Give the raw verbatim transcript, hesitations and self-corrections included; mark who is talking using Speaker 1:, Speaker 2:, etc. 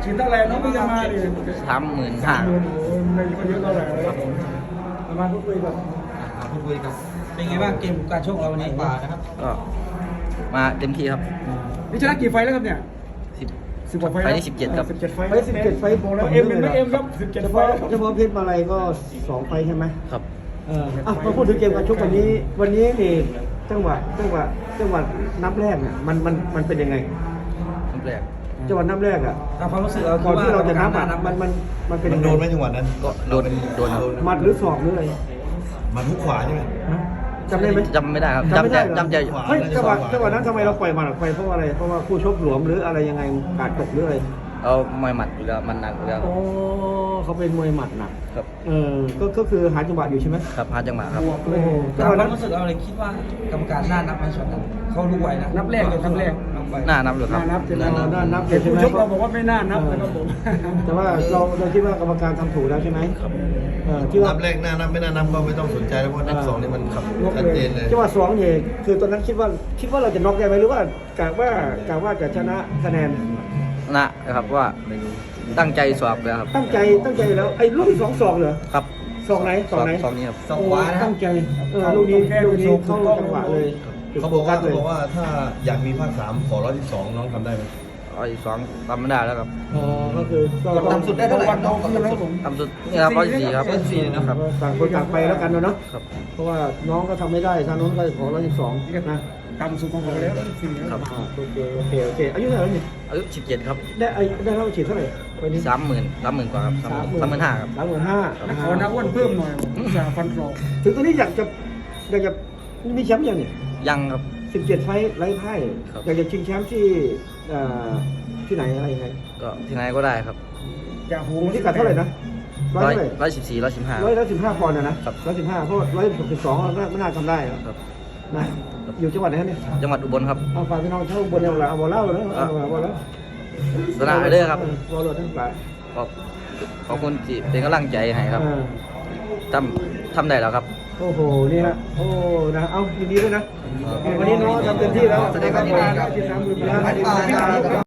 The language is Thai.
Speaker 1: ฉีดเท่าไหร่น้องพี่จะมาดิ
Speaker 2: สามหมื่นห้า
Speaker 1: โอ้ยไม่ค่อยเยอะเท่าไหร่ครับผมประมาณพูดคุยกับ
Speaker 3: พูดคุยกับเป็นไงบ้างเกมการชกเราวันนี้ป่านะครับ
Speaker 2: ก็มาเต็มที่ครับ
Speaker 1: นี่ชนะกี่ไฟล์แล้วครับเนี่ย
Speaker 2: สิบ
Speaker 1: สิบกว่าไฟล์
Speaker 2: ไฟล์ที่สิบเจ็ดครับ
Speaker 1: สิบเจ็ดไฟล์
Speaker 4: ไปสิบเจ็ดไฟต์
Speaker 1: บอกแล้วเอ็มเป็นไม่เอ็มครับสิบเจ็ด
Speaker 4: เฉ
Speaker 1: ไฟ
Speaker 4: พาะ
Speaker 1: ล์
Speaker 4: เฉพาะเพชรมาลัยก็สองไฟต์ใช่ไหม
Speaker 2: ครับ
Speaker 4: เอออ่ะมาพูดถึงเกมการชกวันนี้ วันนี้นี่จังหวะจังหวะจังหวะนับแรกเนี่ยมันมันมันเป็นยังไง
Speaker 2: ครั้งแรก
Speaker 4: จังหวะนับแรกอ่ะ
Speaker 3: ตามความรู้สึกเรา
Speaker 4: ก่อนที่เราจะนับ
Speaker 3: อ่
Speaker 4: อ่ะมันมันมันเป็น
Speaker 5: มั
Speaker 4: ยั
Speaker 5: น
Speaker 4: งไง
Speaker 5: โดนไหมจังหวะนั้น
Speaker 2: ก็โดนโดนครับ
Speaker 4: หมัดหรือศอกหรืออะไร
Speaker 5: มันทุกขวาใช่ไหม
Speaker 4: ฮะจำได้ไหม
Speaker 2: จำไม่ได้ครับ
Speaker 4: จำไม่
Speaker 2: จำใจ
Speaker 4: ได้เหรอ
Speaker 2: จำใจ
Speaker 4: เฮ้ยจังหวะจังหวะนั้นทำไมเราปล่อยหมัดออกไปเพราะว่าอะไรเพราะว่าคู่ชกหลวมหรืออะไรยังไงกาดตกหรืออะไร
Speaker 2: เอามวยหมัดอยู่แล้วมันหนักอยู่แล้ว
Speaker 4: โอ้เขาเป็นมวยหมัดหนัก
Speaker 2: ครับ
Speaker 4: เออก็ก็คือหาจังหวะอยู่ใช่ไหม
Speaker 2: ครับหาจังหวะครับ
Speaker 4: โอ้โหจั
Speaker 3: ตาง ม
Speaker 4: หวะ
Speaker 3: ควา
Speaker 4: นั้
Speaker 3: ม
Speaker 4: น
Speaker 3: รู้สึกเราเลยคิดว่ากรรมการน่านับไหมช็อตนั้นเขารู้ไวนะ
Speaker 1: นับแรกเลยนับแรก
Speaker 3: นับไว
Speaker 2: หน้านับอยู่ค
Speaker 1: น่า
Speaker 2: รับ
Speaker 1: นับใช่ไหม
Speaker 4: น่านับน่านับ
Speaker 1: เห็นผู้ชกเราบอกว่าไม่น่านับนะครับผม
Speaker 4: แต่ว่าเราเราคิดว่ากรรมการทำถูกแล้วใช่ไหม
Speaker 2: ครับ
Speaker 4: เออที่ว่า
Speaker 5: นับแรกหน้านับไม่น่านับก็ไม่ต้องสนใจแล้วเพราะนับสองนี่มันชัดเจนเลย
Speaker 4: จังหวะสองเนี่ยคือตอนนั้นคิดว่าคิดว่าเราจะน็อกได้ไหมหรือว่ากะว่ากะว่าจะชนะคะแนน
Speaker 2: นะครับว่าตั้งใจสอบเลยครับ
Speaker 4: ตั้งใจตั้งใจแล้วไอ้ลูกที่สองสองเหรอ
Speaker 2: ครับ
Speaker 4: สองไหนสองไหน
Speaker 2: สองนี้ครับ
Speaker 3: สองขวานะครั
Speaker 4: ตั้
Speaker 3: บ
Speaker 4: งใจเออลูกนี้ลูกนี้เข้าจังหวะเลย
Speaker 5: เขาบอกว่า
Speaker 4: เล
Speaker 5: เขา
Speaker 4: ย
Speaker 5: บอกว่าถ้าอยากมีภาคสามขอร้อยที่สองน้องทำได้ไหม
Speaker 2: ร้อยสองทำไม่ได้แล้วครับ
Speaker 4: อ๋อก็คือก็
Speaker 3: ต่ำสุดได้เท่าไหร่
Speaker 1: วันน้องพี่นะครับผม
Speaker 2: ทำสุดนี่ครับร้อยสี่ครับ
Speaker 3: ร้อยสี่นะครับ
Speaker 4: ต่างคนต่างไปแล้วกันเนาะ
Speaker 2: ครับ
Speaker 4: เพราะว่าน้องก็ทำไม่ได้ทางโน้นก็ขอร้อยสิบสองนะ
Speaker 1: ต่ำสุดของผมแล้วสี่
Speaker 2: ครับ
Speaker 4: อ่าโอเคโอเคโอเคอายุเท่าไหร่เนี่ย
Speaker 2: อายุสิบเจ็ดครับ
Speaker 4: ได้อายุได้เท่าฉีดเท่าไหร่วันนี้
Speaker 2: สามหมื่นสามหมื่นกว่าครับสามหมื่นห้าครับ
Speaker 4: สามหมื่นห้า
Speaker 1: นักขอนักอ้วนเพิ่มหน่อยผมจะฟันคลอง
Speaker 4: ถึงตอนนี้อยากจะอยากจะมีแชมป์ยังเนี่ย
Speaker 2: ยังครับ
Speaker 4: สิบเจ็ดไฟท์ไร้พ่าย
Speaker 2: ครับ
Speaker 4: อยากจะชิงแชมป์ที่เอ่อที่ไหนอะไรยังไง
Speaker 2: ก็ที่ไหนก็ได้ครับ
Speaker 1: อย่าหู
Speaker 4: ที่กัดเท่าไหร่นะร้อย
Speaker 2: ร้อย
Speaker 4: เท่าไหร่
Speaker 2: ร้อยสิบสี่ร้อยสิบห้า
Speaker 4: ร้อยร้อยสิบห้าปอนด์นะนะครับ ร้อยสิบห้าเพราะร้อยสิบสองไม่น่าทำได้หรอก
Speaker 2: ครับ
Speaker 4: นะอยู่จังหวัดไหนครับเนี่ย
Speaker 2: จังหวัดอุบลครับ
Speaker 4: เอาฝากพี่น้องชาวอุบนเอาละเอาบอลเล่าเลยเอาบอลเล่า
Speaker 2: สนามเด้อครับ
Speaker 4: บอลเล่าทั้งหลาย
Speaker 2: ขอบขอบคุณที่เป็นกำลังใจให้ครับ
Speaker 4: อ่า
Speaker 2: ทำทำได้แล้วครับ
Speaker 4: โอ้โห นี่ฮะโอ้ นะ เอายินดีด้วยนะ วันนี้น้องทำเต็มที่แล้ว
Speaker 3: แสดงความยินดีครับ
Speaker 4: ที่สามหมื่นล้าน